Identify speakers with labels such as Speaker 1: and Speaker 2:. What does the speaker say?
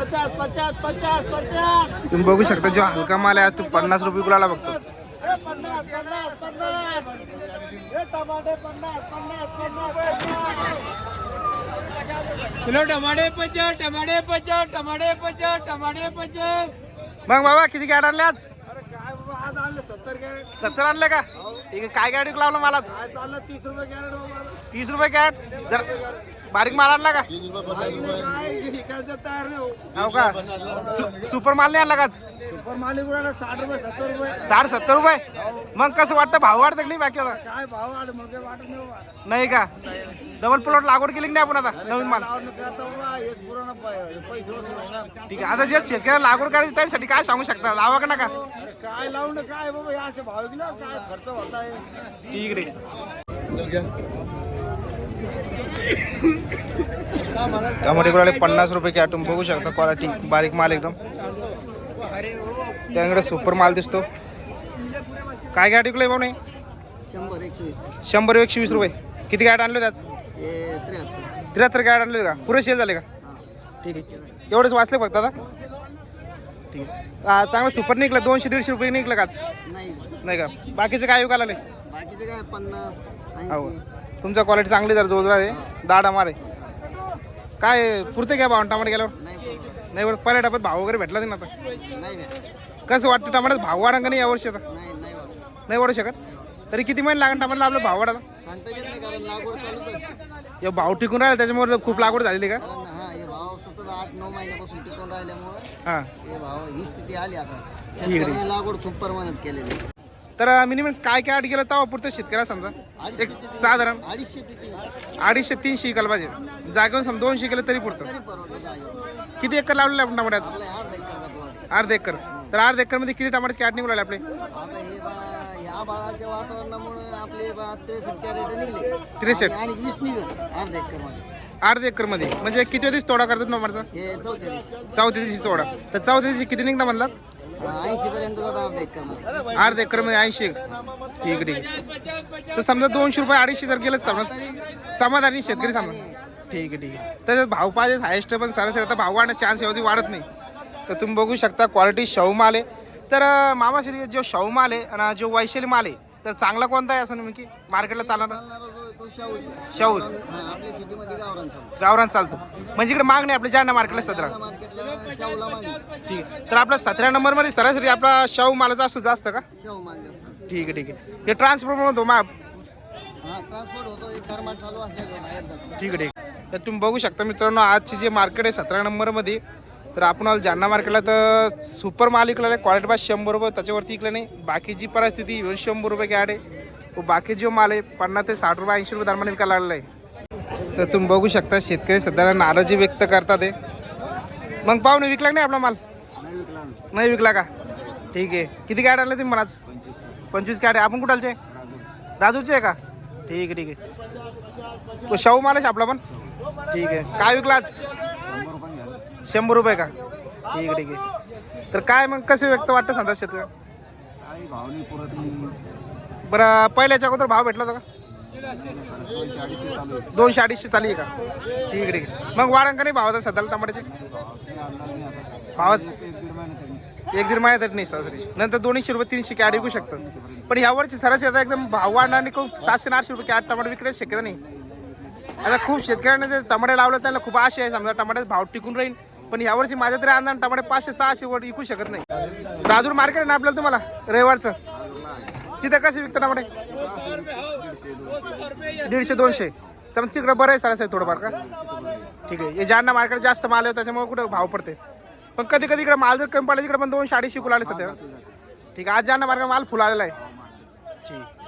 Speaker 1: तुम्ही बघू शकता जो हलका माल आहे तो 50 रुपये किलोला बघतो.
Speaker 2: किलो टमाटे 50, टमाटे 50, टमाटे 50, टमाटे 50.
Speaker 1: मग बाबा किती कॅरेट आणले आज?
Speaker 3: काय बाबा आज आणलं 70 कॅरेट.
Speaker 1: 70 आणले का? ठीक आहे. काय कॅरेट लावलं मालाच?
Speaker 3: आज चाललं 30 रुपये कॅरेट बाबा.
Speaker 1: 30 रुपये कॅरेट. जर बारीक माल आणला का?
Speaker 3: काय विकायचं तयार नाही हो.
Speaker 1: हो का? सुपर माल नाही आणला का आज?
Speaker 3: सुपर मालिक उडाला 60 रुपये 70 रुपये.
Speaker 1: 60-70 रुपये. मग कसं वाटतं, भाव वाढतं की नाही बाकी आता?
Speaker 3: काय भाव वाढ मग काय वाटत नाही बाबा.
Speaker 1: नाही का? डबल प्लॉट लागवड केली की नाही आपण आता नवीन माल?
Speaker 3: लावून करता बाबा हे पुराणा पैसे वसूल होणार.
Speaker 1: ठीक आहे. आता जे शेतकऱ्याला लागवड करायची त्यासाठी काय सांगू शकता? लावा का नका?
Speaker 3: अरे काय लावून काय बाबा हे असे भाव गेला काय खर्च होत आहे.
Speaker 1: ठीक आहे. टमाटे गुलाले 50 रुपये कॅरेट. तुम्ही बघू शकता क्वालिटी बारीक माल एकदम. त्याकडे सुपर माल दिसतो. काय कॅरेट विकलंय भाऊ? नाही 100-120 रुपये. किती कॅरेट आणले त्याच? 73 कॅरेट आणले का? पुरे सेल झाले का? ठीक आहे. एवढेच वाचले फक्त आता? ठीक आहे. चांगलं सुपर निघलं. 200-150 रुपये निघलं काच? नाही का? बाकीचं काय विकायला लागले?
Speaker 3: बाकीचे काय 50
Speaker 1: हो. तुमचा क्वालिटी चांगली जर जोरदार आहे, दाडा मारे. काय पुरते घ्या भाव टमाटे गेल्यावर? नाही बरं. पहिल्या टप्प्यात भाव वगैरे भेटला नाही ना आता? कसं वाटतं टमाट्यात भाव वाढा का नाही यावर्षी? आता नाही वाढू शकत. तरी किती महिने लागेल टमाट्याला आपलं भाव वाढायला? या भाव टिकून राहिला त्याच्यामुळे खूप लागवड झालेली का? हां, ठीक आहे.
Speaker 3: लागवड खूप प्रमाणात केलेली.
Speaker 1: तर मिनिमम काय काय गेलं तेव्हा पुरतं शेतकऱ्याला समजा एक साधारण 250-300 इकायला पाहिजे. जागेवर समजा 200 केलं तरी पुरतं. किती एकर लावलेलं आपण टमाट्याचं? अर्धा एकर. तर अर्धा एकर मध्ये किती टमाट्याचे कॅरेट निघून राहिले आपले?
Speaker 3: आता हे या बाळाच्या वातावरणामुळे आपले 63 कॅरेट निघले
Speaker 1: 63
Speaker 3: आणि 20 निघत अर्धा एकर मध्ये.
Speaker 1: अर्धा एकर मध्ये म्हणजे किती दिवस तोडा करतात टमाटरचा?
Speaker 3: हे 44
Speaker 1: चौथ्या दिवशी तोडा. तर चौथ्या दिवशी किती निघता म्हणला?
Speaker 3: 80 पर्यंत जातात अर्धा एकर मध्ये.
Speaker 1: अर्धा एकर मध्ये 80. ठीक आहे. तर समजा 200 रुपये 250 जर गेलंच तर समाधानी शेतकरी समजा. ठीक आहे. त्याच्यात भाव पाहिजे हायस्ट, पण सरासरी आता भाव वाढण्याचा चान्स एवढी वाढत नाही. तर तुम्ही बघू शकता क्वालिटी शाहू माल आहे. तर मामाश्री जो शाहू माल आहे आणि जो वैशाली माल आहे तर चांगला कोणता आहे असं नेमकी मार्केटला चालणार? शाहू
Speaker 3: आपल्या सिटीमध्ये
Speaker 1: गावरान चालतो म्हणजे इकडे मागणी आपल्या जालना मार्केटला 17.
Speaker 3: मार्केटला शाहूला मागणी.
Speaker 1: ठीक आहे. तर आपला 17 नंबरमध्ये सरासरी आपला शाहू मालाचा असतो जास्त का?
Speaker 3: शाहू माल जास्त.
Speaker 1: ठीक आहे. हे ट्रान्सपोर्ट होतो माप?
Speaker 3: ट्रान्सपोर्ट होतो. एक गरमाट चालू असल्यावर बाहेर जातो.
Speaker 1: ठीक आहे. तर तुम्ही बघू शकता मित्रांनो आजची जे मार्केट आहे 17 नंबरमध्ये. तर आपण आलो जालना मार्केटला तर सुपर माल विकलेला आहे. क्वालिटी पास 100 रुपये, त्याच्यावरती विकलं नाही. बाकीची परिस्थिती 100 रुपये कॅरेट आहे. बाकी जो माल आहे 50 ते 60 रुपये 80 रुपये दरम्यान विकायला लागलेला आहे. तर तुम्ही बघू शकता शेतकरी सध्याला नाराजी व्यक्त करतात आहे. मग पाहुणे विकला नाही आपला माल? नाही विकला का? ठीक आहे. किती कॅरेट आणले तुम्ही मला आज? 25 कॅरेट. आपण कुठालचे? राजूचे आहे का? ठीक आहे. तो शाहू माल आहे आपला पण? ठीक आहे. काय विकला आज? 100 रुपये का? ठीक आहे. तर काय मग कसं व्यक्त वाटतं सांगता शेतकरी? बरं पहिल्याच्या अगोदर भाव भेटला होता का? 200-250 चालू आहे का? ठीक आहे. मग वाढन का नाही भावाचा सध्याला टमाट्याचे भावाच? 1-1.5 महिन्यात तरी नाही सरासरी. नंतर 200 रुपये 300 कॅरेट विकू शकतं. पण यावरची सरासरी आता एकदम भाव वाढणार आणि खूप 700-800 रुपये कॅरेट टमाटे विकण्याची शक्यता नाही. आता खूप शेतकऱ्यांना जे टमाटे लावलं त्यांना खूप आशा आहे समजा टमाट्याचा भाव टिकून राहील. पण यावर्षी माझ्या तरी अंदाज टमाटे 500-600 वर विकू शकत नाही. राजूर मार्केट आहे ना आपल्याला तुम्हाला रविवारचं? तिथं कसे विकतं टमाटे? 150-200. तर मग तिकडं बरं आहे सरासरी थोडंफार का? ठीक आहे. हे जालना मार्केट जास्त माल आहे त्याच्यामुळे कुठं भाव पडते. पण कधी कधी इकडे माल जर कमी पडला तिकडे पण 200-250 फुल आले सध्या. ठीक आहे. आज जालना मार्केट माल फुल आलेला आहे. ठीक.